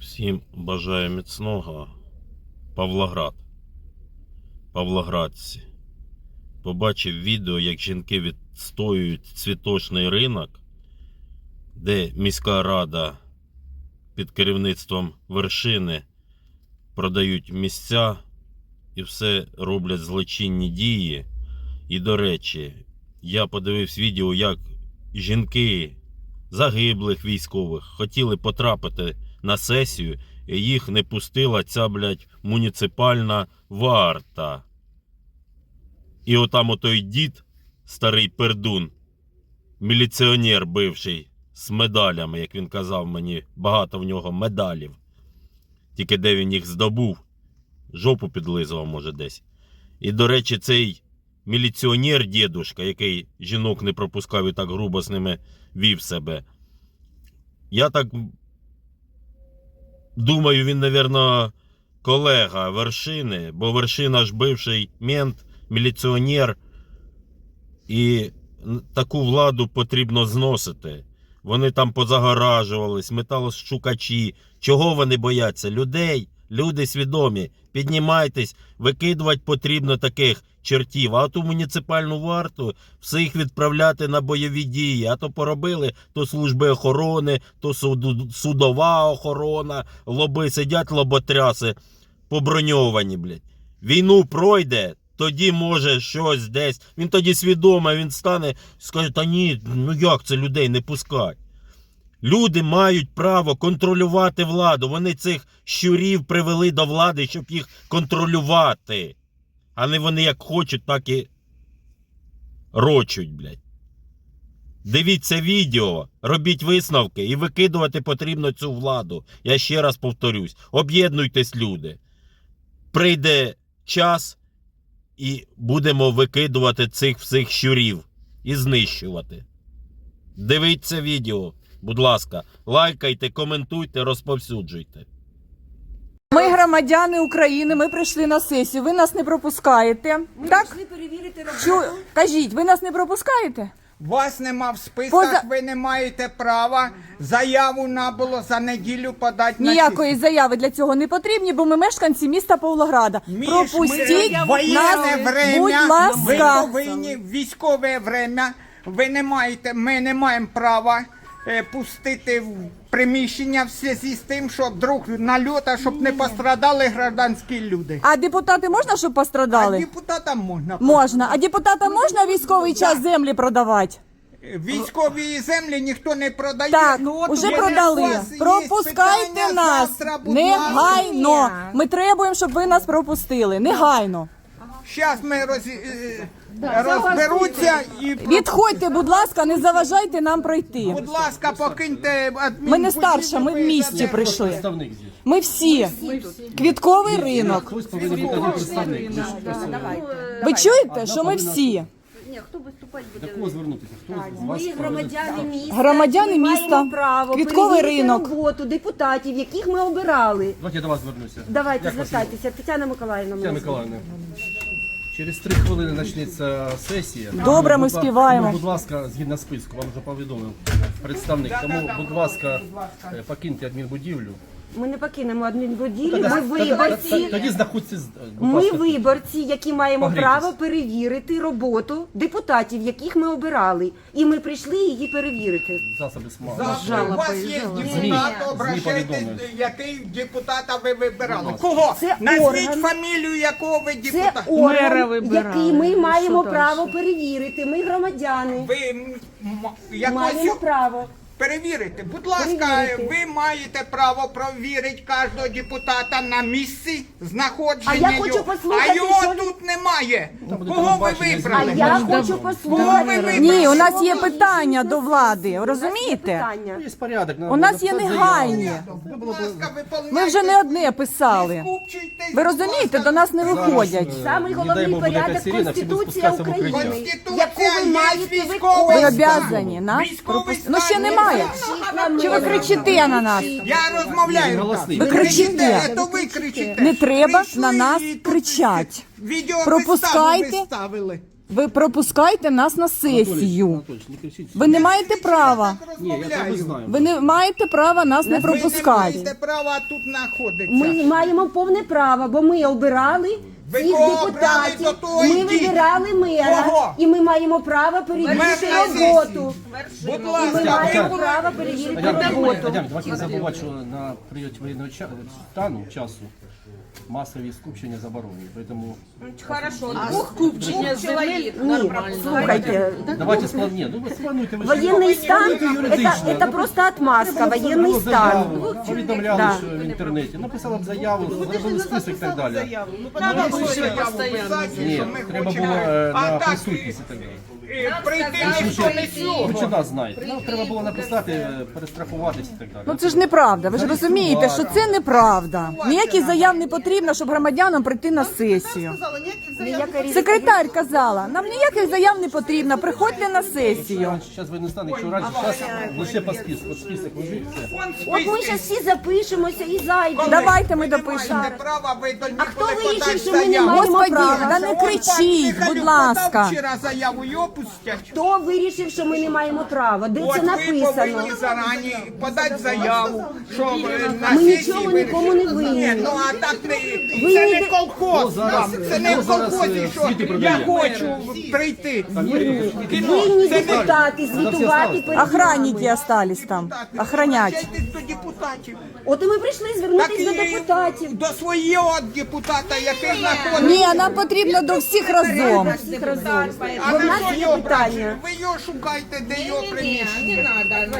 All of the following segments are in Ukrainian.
Всім бажаю міцного. Павлоград. Павлоградці. Побачив відео, як жінки відстоюють цвіточний ринок, де міська рада під керівництвом Вершини продають місця і все роблять злочинні дії. І, до речі, я подивився відео, як жінки загиблих військових хотіли потрапити на сесію, і їх не пустила ця, муніципальна варта. І отам отой дід, старий пердун, міліціонер бивший, з медалями, як він казав мені, багато в нього медалів. Тільки де він їх здобув, жопу підлизував, може, десь. І, до речі, цей міліціонер, дідушка, який жінок не пропускав і так грубо з ними вів себе. Я так думаю, він, мабуть, колега Вершини, бо Вершина ж бивший мент, міліціонер. І таку владу потрібно зносити. Вони там позагоражувались, металошукачі. Чого вони бояться? Людей. Люди свідомі. Піднімайтесь, викидувати потрібно таких чертів. А ту муніципальну варту всіх відправляти на бойові дії. А то поробили, то служби охорони, то судова охорона. Лоби сидять, лоботряси поброньовані, блядь. Війну пройде, тоді може щось десь. Він тоді свідомий, він стане, скаже, та ні, ну як це людей не пускать? Люди мають право контролювати владу. Вони цих щурів привели до влади, щоб їх контролювати. А не вони як хочуть, так і рочуть, блядь. Дивіться відео, робіть висновки і викидувати потрібно цю владу. Я ще раз повторюсь. Об'єднуйтесь, люди. Прийде час і будемо викидувати цих всіх щурів і знищувати. Дивіться відео. Будь ласка, лайкайте, коментуйте, розповсюджуйте. Ми громадяни України, ми прийшли на сесію, ви нас не пропускаєте. Ми так? прийшли перевірити роботу. Кажіть, ви нас не пропускаєте? Вас нема в списках, ви не маєте права заяву набуло за неділю подати на Ніякої заяви для цього не потрібні, бо ми мешканці міста Павлограда. Пропустіть нас, воєнне время, будь ви ласка. повинні в військове время, ви не маєте, ми не маємо права пустити в приміщення в зв'язку з тим, що вдруг нальота, щоб не пострадали гражданські люди. А депутати можна, щоб А пострадали? депутатам можна. Можна. А депутатам можна військовий час землі продавати? Військові землі ніхто не продає. Так, от уже у продали. вас є Пропускайте питання, нас. завтра, будь Негайно. ласка. Ми требуємо, щоб ви нас пропустили. Негайно. Зараз ми розберуться і Відходьте, будь ласка, не заважайте нам пройти. будь ласка, покиньте адмінбудівлю. Ми не старша, ми в місті прийшли. Ми всі. Квітковий ринок. Ви чуєте, що ми всі? Ні, хто виступати буде? До кого звернутися? Хто з вас? Ми громадяни міста. Громадяни які міста. маємо право Квітковий перевірити ринок. роботу депутатів, яких ми обирали. Давайте я до вас звернуся. Давайте, Як вас звертайтеся. Тетяна Миколаївна. Тетяна мене звати. Миколаївна. Через 3 хвилини почнеться сесія. Добре, ми Будь ла- співаємо. Будь ласка, згідно списку, вам вже повідомив представник. Тому, будь ласка, покиньте адмінбудівлю. Ми не покинемо адмінбудівлю, ми виборці. Тоді знаходьтесь, будь Ми ласка. виборці, які маємо Погрійтесь. право перевірити роботу депутатів, яких ми обирали. І ми прийшли її перевірити. Засоби СМА. Завтра у вас є депутат, обращайтесь, повідомили. який депутата ви вибирали. Кого? Це Назвіть орган. фамілію, якого ви Це депутата. орган, який ми маємо право перевірити. Ми громадяни. Ви Маємо якось право. перевірити. Будь ласка, Перевірити. ви маєте право провірити кожного депутата на місці знаходження А я хочу його. послухати, А його що він- тут немає. буде Кого ви телебачення, А вибрали? я хочу Кого ви послухати. вибрали? Ні, у нас є питання до влади, розумієте? Питання. Є порядок. У нас є негайні. Будь ласка, виповняйте. Ми вже не одне писали. Скупчуйтесь, Ви будь розумієте, ласка. до нас не виходять. Самий Не дай головний Бог, буде порядок якась сирена, всі будуть Конституція спускатися в України, укриття. Конституція яку ви є маєте військовий Ви стан. обязані нас Військовий пропустити. Ну ще стан немає. є. Чи ви кричите на нас? Я розмовляю. Голосний. так. Ви кричите. То ви кричите. Не треба Прийшли на нас і тут кричать. Відео Пропускайте. виставили. Ви пропускайте нас на сесію. Анатолійович, не кричіть. Ви не маєте права. Ні, я це знаю. Ви не маєте права нас не Ви не пропускати. маєте права тут знаходитися. Ми маємо повне право, бо ми обирали Ви цих кого обрали, депутатів. до того Ми йдіть. вибирали мера. Кого? І ми маємо право перевірити Мер на роботу. Будь І ми ласка, маємо ви право перевірити Адям, роботу. давайте не забувати, що на період воєнного стану, часу, масові скупчення заборонені. Тому Купчення землі Ні, слухайте, давайте сплануйте. Ну, ви сплануйте. Ви ж воєнний стан юридично. це просто отмазка, воєнний Було стан. заяву, повідомляли Да. що в інтернеті, написали б заяву, зробили список і так далі. Ні, треба було на присутність і так далі. прийти ніхто не сюди. Ви чи нас знаєте? Нам треба було написати, перестрахуватись і так далі. Ну це ж неправда. Ви ж розумієте, що це неправда. Ніяких заяв не потрібно, щоб громадянам прийти на сесію. Секретар казала, нам ніяких заяв не потрібно, приходьте на сесію. Зараз ви не стане, якщо раніше, зараз лише по списку, от список лежить, все. От ми зараз всі запишемося і зайдемо. Давайте ми Ви не допишемо. маєте права, ви до А хто ніколи вирішив, подати що ми не заяву. маємо Господи, права? да не кричіть, Михайлюк будь подав ласка. вчора заяву, його пустять. Хто вирішив, що ми не маємо права? Де От це ви написано? повинні зарані подати заяву, що на Ми сесії нічого вирішили. нікому не винні. Ні, ну а так не, Ви це не- не колхоз. зараз- Це не хто в зараз, колхозі, що світи я продає? хочу прийти. Винні Це не- депутати звітувати перед Охранники нами. остались там. Охранять. Обращайтесь до депутатів. От і ми прийшли Так звернутися до і депутатів. до свого депутата, який знаходиться. Ні, нам потрібно до всіх разом. Всіх разом. А Бо в ви нас що є його питання. брати? Ви його шукайте, де його приміщення.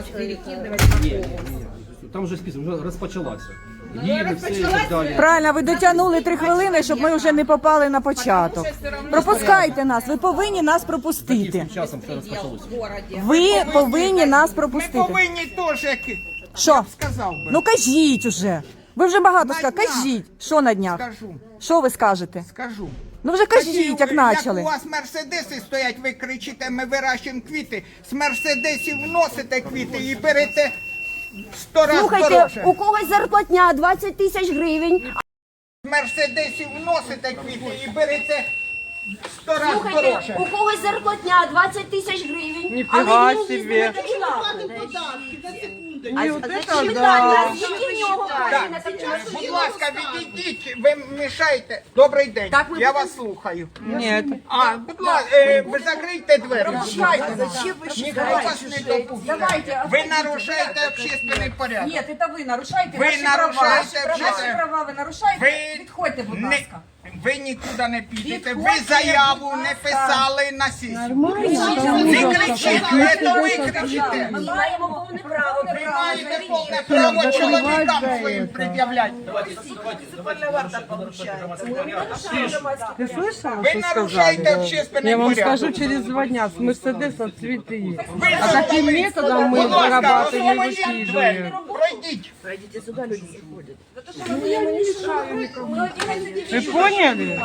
Там вже список, вже розпочалася. Гімн, все і так далі. Правильно, ви дотягнули 3 хвилини, щоб ми вже не попали на початок. Пропускайте нас, ви повинні нас пропустити. Яким часом все розпочалося? Ви повинні нас Ми пропустити. повинні теж, як Що? сказав би. Ну кажіть уже. Ви вже багато сказали. Кажіть, що на днях? Скажу, Що ви скажете? скажу. Ну вже кажіть, як у почали. вас мерседеси стоять, ви кричите, ми вирощуємо квіти. З мерседесів вносите квіти і берете 100 разів Слухайте, дорожче. у когось зарплатня 20 тисяч гривень. З мерседесів вносите квіти і берете 100 разів Слухайте, дорожче. у когось зарплатня 20 тисяч гривень. Ніфіга але він собі. їздить на Кадиллаку. А питання, які в нього Так, гроші на Кадиллаку? будь ласка, відійдіть, ви мішаєте. Добрий день, Так, ми я будемо- вас слухаю. Ні. А, будь ласка, ви закрийте двері. Ніхто вас не допустить. Ви нарушаєте общественний порядок. Ні, це ви нарушаєте Ви наші нарушаєте права. вже- Наші права ви нарушаєте? Ви Відходьте, будь не- ласка. Ви нікуди не підете. Ви Відходьте, заяву будь не ласка. писали на сесію. Не кричіть, це ви кричите. Ми маємо повне право. Ви маєте повне право чоловікам своїм пред'являти. Ты слышала, Ви что нарушаєте сказали? общественний Я вам порядок. скажу, через 2 дня с Мерседеса цветы есть. Ви А таким создали- методом мы Будь ласка, зарабатываем и освободіть двері. высиживаем. Пройдіть. Вы поняли?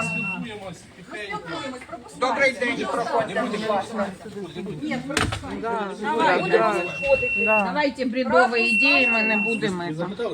Добрий день, проходьте, будь ласка. Давайте бредові ідеї, ми не будемо.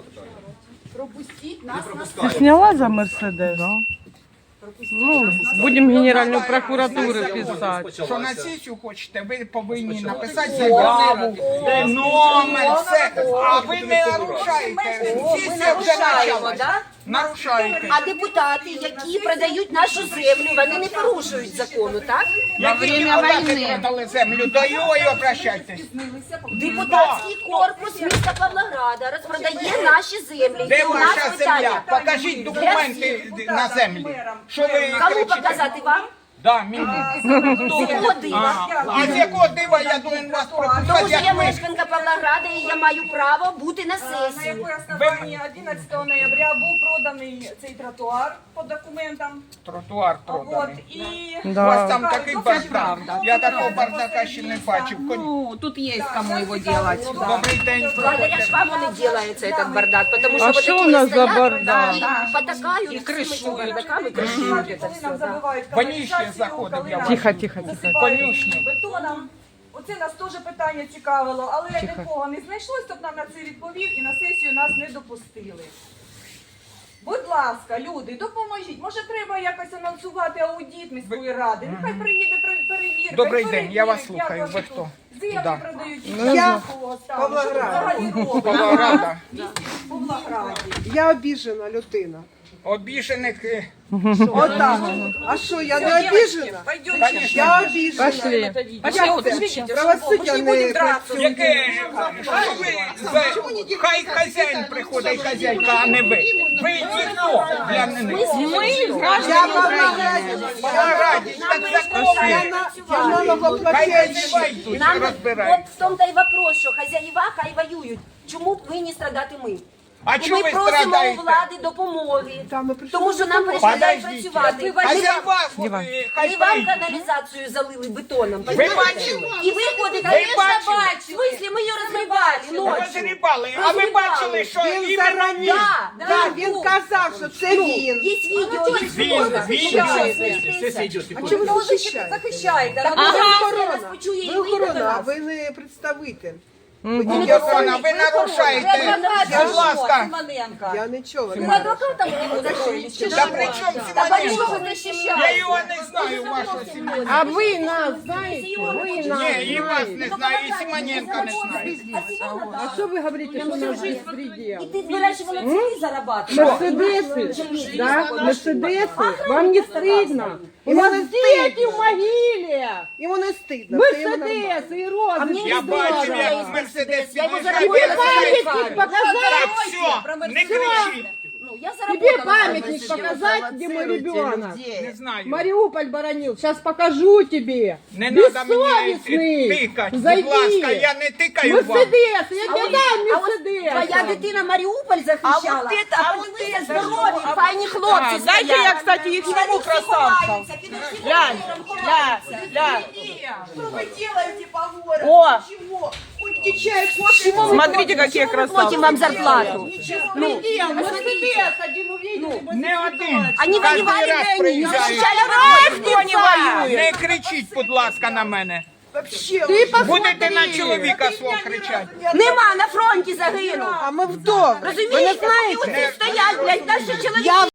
Ты сняла за Мерседес? Ну, будем Генеральную прокуратуру писать. Що на сесію хочете, ви повинні написати заяву, номер, все. А ви не нарушаєте. Сесія вже почалась. Нарушаєте. А депутати, які продають нашу землю, вони не порушують закону, так? Які депутати продали землю, до його і обращайтесь. Депутатський корпус міста Павлограда розпродає наші землі. Де І у нас ваша питання. земля? Покажіть документи на землю. Що ви Кому кричите? показати вам? Да, мені. З якого дива? А з якого дива я повинен вас Тому пропускати, що я як ви? мешканка Павлограда і я маю право бути на сесії. якої основанні 11 ноября був проданий цей тротуар по документам. Тротуар От, проданий. і У вас там такий бардак. Я такого бардака ще не бачив. Ну, тут є кому його делать. Добрий день. Благодаря ж вам он и делается этот бардак, потому что А вот что такие у нас за стоят, бардак? и потакают и крышуют бардакам и крышуют это коли все, нам да. забивають Вонюче каналізацію, заходив коли я. нам Тихо, тихо, тихо. засипають Конюшні. бетоном. Оце нас теж питання цікавило, але нікого не знайшлось, хто б нам на це відповів і на сесію нас не допустили. Будь ласка, люди, допоможіть. Може, треба якось анонсувати аудит міської ради. Нехай приїде перевірка. Добрий і день, я вас перевірить, слухаю. як Ви ваші хто? тут Землі Да. продають. Я Павлоград. Що ви взагалі робите? Павлограда. В Павлограді. Я обіжена людина. Обіжених. Отак. А що, я не обіжена? Я обіжена. Пошли. Правосуддя не працює. Яке? Що ви? Хай хазяїн приходить, хазяйка, а не ви. Ви ніхто для них. Я Павлограді. Павлограді, так законно. Я налогоплательщик. Хай хазяїва йдуть, Нам розбирають. от в тому та й вопрос, що хазяїва хай воюють. Чому повинні страдати ми? А І чому ми ви просимо у страдаєте? влади допомоги, Та ми прийшли тому що нам перешкодають Подождіть. працювати. Хазяїва, хай І вам прийдуть. каналізацію залили бетоном. Ви бачили? І ви ходите, Ви бачили? в смислі, ми її розривали ночі. Розрібали. А ви бачили, що Він іменно зарані. Да, Так, він казав, що це він. Є відео, є Сесія йде. А чому ви захищаєте? Захищайте. Ви Ага. охорона. Нас почує і Ви вийде до охорона, а нас. ви не представитель. Охорона, ви нарушаєте. Будь ласка. Я нічого Ви не адвокатом не устроїлись? Чи Та що? при чому Та Симоненко? ви Я захищаєте? його не знаю, вашого Симоненка. А вы нас знаете? Вы нас Ні, і вас знаете. не знаю, і Симоненка не знаю. А что вы говорите, что у нас беспредел? І ти збираєш воно цілі зарабатувати. Мерседесы, да? Мерседесы? Вам не стыдно? У нас дети в могиле! Йому не стидно. це йому нормально. Мерседесы и розы. Я бачив, як Мерседес Я його під'їжджає. заработала. Памятник показать! Так, все, не кричіть. Ну, я Тебе заработала. памятник показать, где мой ребенок. Не знаю. Мариуполь боронил. Сейчас покажу тебе. Не треба мені Бессовестный. тикати, будь Зайди. ласка, я не тикаю вам. Мерседес, я тебе дам Мерседес. Твоя дитина Маріуполь захищала, а подивися, здорові, файні хлопці Дайте стоять. я, кстати, их І вони сниму, всі красавцев. ховаються, під усім миром ховаються. Что вы делаете по городу? О! Чего? Хоть чай, кофе. Смотрите, какие Платим вам зарплату. Мерседес один увидели. Не один. Они Кожен воевали, раз не приїжджають. защищали Никто не воюет. Не кричіть, будь ласка, на мене. Вообще, Ты посмотри. Будете на чоловіка свого кричати. Нема, на фронті загинув. а ми вдома. Розумієте? І оці стоять, блядь, наші чоловіки.